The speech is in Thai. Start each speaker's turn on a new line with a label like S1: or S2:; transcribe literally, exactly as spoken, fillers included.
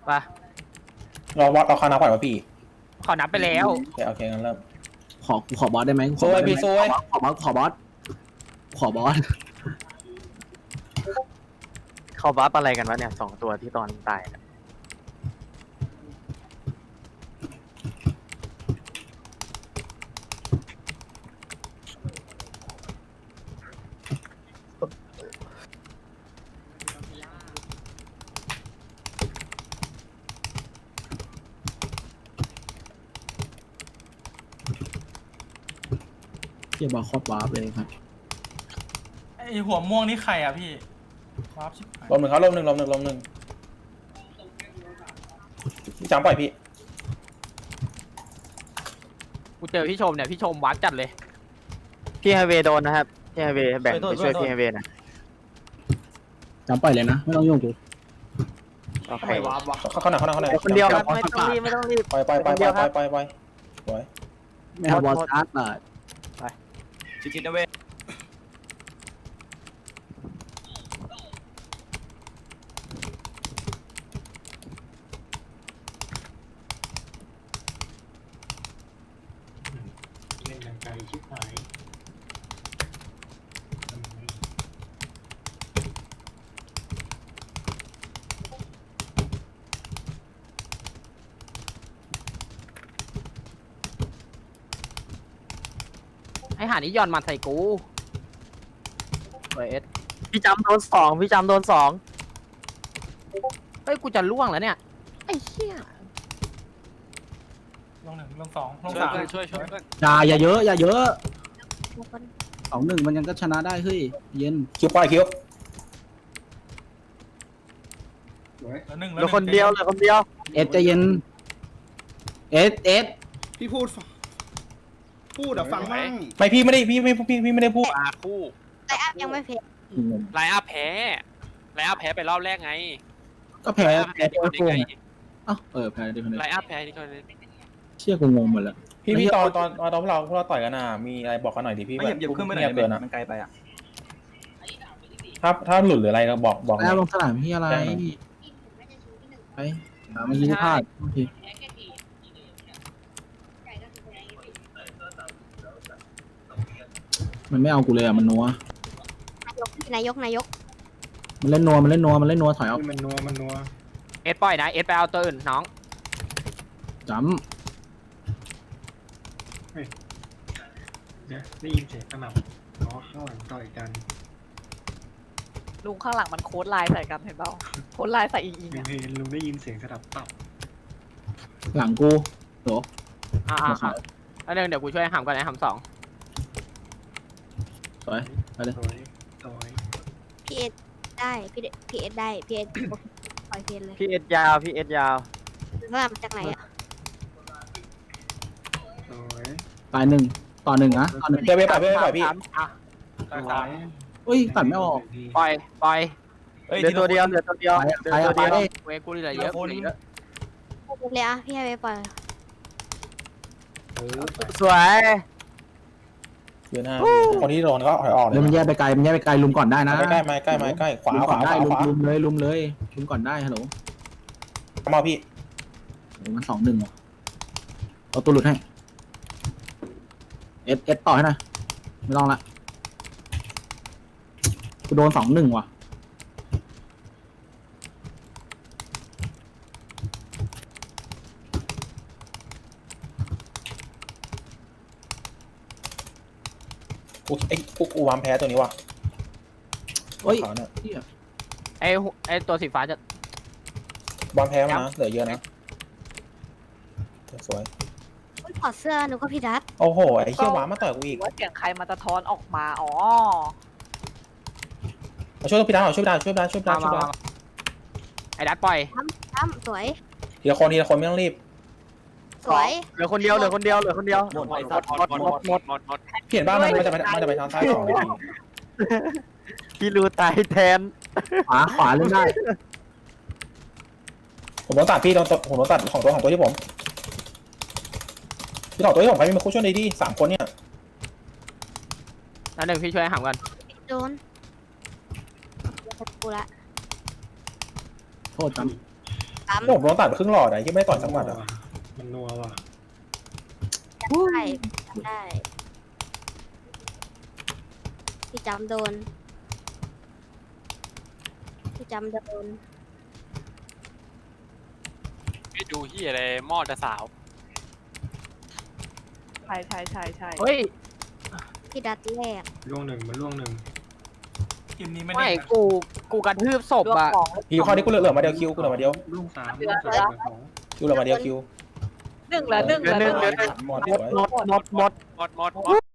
S1: ไป
S2: เราวัดเราคานาก่อนวะพี่
S1: เขานับไปแล้ว
S2: โอเคโอเคงั้นเริ่ม
S3: ขอขอบอสได้ไหมขอบอสได้ไหมขอบอสขอบอสขอบอส
S4: เขาบัฟอะไรกันวะเนี่ยสองตัวที่ตอนตายนะ
S3: เกี่ยวกับคอร์ดวาร์ปเลยครับ
S5: ไอหัวม่วงนี่ใครอ่ะพี่วาร์ปชิบหาย
S2: ลมหนึ่งครับลมหนึ่งลมหนึ่งลมหนึ่งจำปล่อยพี่
S1: กูเจอพี่ชมเนี่ยพี่ชมวัดจัดเลย
S4: พี่ไฮเวย์โดนนะครับพี่ไฮเวย์แบ่งไปช่วยพี่ไฮเวย์นะ
S3: จำปล่อยเลยนะไม่ต้องยุ่งกู
S4: โอเค
S2: เข้าเข้าหน่อยเข้าหน่อยเข้าหน่อย
S4: คนเดียวครับไม่ต้องรีบไม่ต้องรีบ
S2: ปล่อยปล่อยปล่อยปล่อยปล่อยปล่อยปล่อยสวย
S3: ไม่เอาบอสอาร์ตอ่ะ
S6: ชิชินะเว้ยเล่นดังไกลชิบหาย
S1: ไอ้หานี่ย้อนมาใส่กูเฮ้ยเอส
S4: พี่จำโดนสองพี่จำโดนสอง
S1: เฮ้ยกูจะล่วงแล้วเนี่ยไอ้เหี้ย
S5: ลงหนึ่งลงสองลง
S6: ช่วย
S5: สาม
S6: เพื่อนช่วยช่วยเพื่อน
S3: อย่าอย่าเยอะอย่าเยอะสองหนึ่งมันยังก็ชนะได้เฮ้ยเย็น
S2: คิวปล่อยคิว
S5: แล้วหนึ่ง
S4: เห
S5: แล้
S4: ลื
S5: ว
S4: อคนเดียวเหลือคนเดียว
S3: เอสใจเย็นเอสเอส
S7: พี่พูดฟังพูดอะฟังมั่ง
S2: ไม่พี่ไม่ได้พี่ไม่พี่พี่ไม่ได้พูด
S6: มาคู่
S8: ไลน์อัพยังไม่เพจ
S6: ไลน์อัพแพ้ไลน์อัพแพ้ไปรอบแรกไง
S3: ก็แพ้
S6: ไลน์อัพ
S3: แพ้
S6: แพ้ที่
S3: ตัว
S6: คน
S3: โก
S6: เล่น
S3: ง
S6: ไง
S3: เอ้าเออแพ้ได้คนเดียว
S6: ไลน์อัพแพ้ที่คนเล่น
S3: เชี่ยกูงงหมดแล้ว
S2: พี่พี่ตอนตอนตอนพวกเราพวกเราต่อยกันอ่ะมีอะไรบอกกันหน่อยดิพี่
S6: ไม่เหยียบเหยียบขึ้นไปไหน
S2: เกินอ่ะ
S6: มันไกลไปอ่ะ
S2: ถ้าถ้าหลุดหรืออะไรก็บอกบอก
S3: แล้วลงสนามพี่อะไรไปหาเมื่อกี้ที่พลาดโอเคมันไม่เอากูเลยอ่ะมันนัวน
S8: ายกนายก
S3: มันเล่นนัวมันเล่นนัวมันเล่นนัวถอยเอา
S7: มันนัวมันนัว
S1: เอสปล่อยนะเอสไปเอาตัวอื่นน้อง
S3: จ
S7: เนี่ยได้ยินเสียงกระหน่ำอ๋อข้างหลังต่อยกัน
S9: ลุงข้างหลังมันโค้ดไลน์ใส่กันเห็นเปล่าโค้ดไลน์ใส่อิงอิง
S7: ลุง
S9: อะ
S7: เห็นลุงได้ยินเสียงสะดับตับ
S3: ำหลังกูโห
S1: อ่าอ่าแล้วเดี๋ยวเดี๋ยวกูช่วยหำก่อนนะหำสอง
S3: สวยไปเลย
S7: สวยสวย
S8: พีเอสได้พีพีเอสได้พีเอสปล่อยเพจเลย
S4: พี่เอสยาวพี่เอสยาว
S8: เริ่มมาจากไหนอ่ะ
S7: สวย
S3: ตายหนึ่งต่อหนึ่งนะต่อหนึ่ง
S2: เดี๋ยวไปปล่อยพี่ปล่อยพี่
S1: สามอ่ะ
S7: สวย
S3: เฮ้ยตัดไม่ออก
S1: ปล่อยปล่อย
S4: เหลือตัวเดียวเหลือตัวเดียว
S3: ไป
S4: เหลือ
S3: ไป
S4: ตัว
S3: ไป
S4: เดียว
S1: เวกูเหลือเยอะเหลือเยอะ
S8: เลยอ่ะพี่ให้ไปปล่อย
S7: เออ
S4: สวย
S2: ยืนห้าคนที่โดนก็ถอยออกเล
S3: เดี๋ย
S2: ยว
S3: มันแยกไปไกลมันแยกไปไกลลุมก่อนได้นะ
S2: ใกล้ใกล้มาใกล้มาใกล้ขวา
S3: ลุม
S2: ข
S3: ก่อ
S2: วาน ข
S3: ได้
S2: วา
S3: ลุ
S2: ข
S3: ม
S2: วา
S3: ลุมเลยลุมเลยลุมก่อนได้ฮัลโหล
S2: มาพี่
S3: โอ้มันสองหนึ่งว่ะเอาตัวหลุดให้เอสเอสต่อให้หน่อยไม่ต้องละกูโดนสองหนึ่งว่ะ
S2: กูไอ้กูกูวามแพ้ตัวนี้ว่ะ
S3: เฮ้ย
S2: ขาวเนี่ย
S3: เหี้ย
S1: ไอ้หัวไอ้ตัวสีฟ้าจะ
S2: วามแพ้มานะเหลือเยอะนะสวย
S8: ถอดเสื้อหนูก็พี่ดัต
S2: โอ้โหไอ้เขี้ยวหวานมาต่อยกูอีก
S9: ว่าเสียงใครมาสะท้อนออกมาอ๋อ
S2: มาช่วยพี่ดาวช่วยพี่ดาวช่วยพี่ดาวช่วยพี่
S1: มา
S2: ดาวช่วยพี่
S1: มามา
S2: ดาว
S1: ไอ้ดัดปล่อย
S8: อ้ำสวย
S2: ทีละคนทีละคนไม่ต้องรีบ
S8: สวย
S4: เหลือคนเดียวเหลือคนเดียวเหลือคนเดียว
S6: หมดหมดหมดหมดหมดหมดหมด
S2: เปลี่ยนบ้านมันมันจะไปมันจะไปทางซ้ายสองนาที
S4: พี่รูตายแทน
S3: ขวาขวาเล่นได้
S2: ผมโดนตัดพี่โดนผมโดนตัดของตัวของตัวที่ผมพี่ต่อตัวที่ผมใครมีมาคู่ช่วยดีดีสามคนเนี่ย
S1: แล้วหนึ่งพี่ช่วยหำก่อน
S8: โดนกูละ
S3: โทษจ
S8: ตปั๊ม
S2: ผมโดนตัดไปครึ่งหลอดอ่ะยังไม่ได้ต่อยสักหมัดอ่ะ
S7: มันนัวว่ะ
S8: ได้จำได้พี่จำโดนพี่จำโดน
S6: ไม่ดูที่อะไรหม้อจะสาว
S9: ใช่ใช่ใช่ใช่
S1: เฮ้ย
S8: พี่ดัดแรก
S7: ล่วงหนึ่งมันล่วงหนึ่ง
S5: เกมนี้ไม่
S1: ไม่
S5: ได้
S1: กูกูกระทืบศพ
S9: รวม
S1: อะ
S9: ของ
S2: คิวข้อนี้กูเหลือเหลือมาเดียวคิวกูเหลือมาเดียว
S7: ล่วงสาม
S9: เหลื
S7: ล่
S9: อ
S7: วงสามเหลือสอง
S2: คิวเหลือมาเดียวคิว
S9: หนึ่งเหลือหนึ่งเหลือหนึ่ง
S2: หมด
S1: หมดหมดหมดหมด
S6: หมดหมดหมด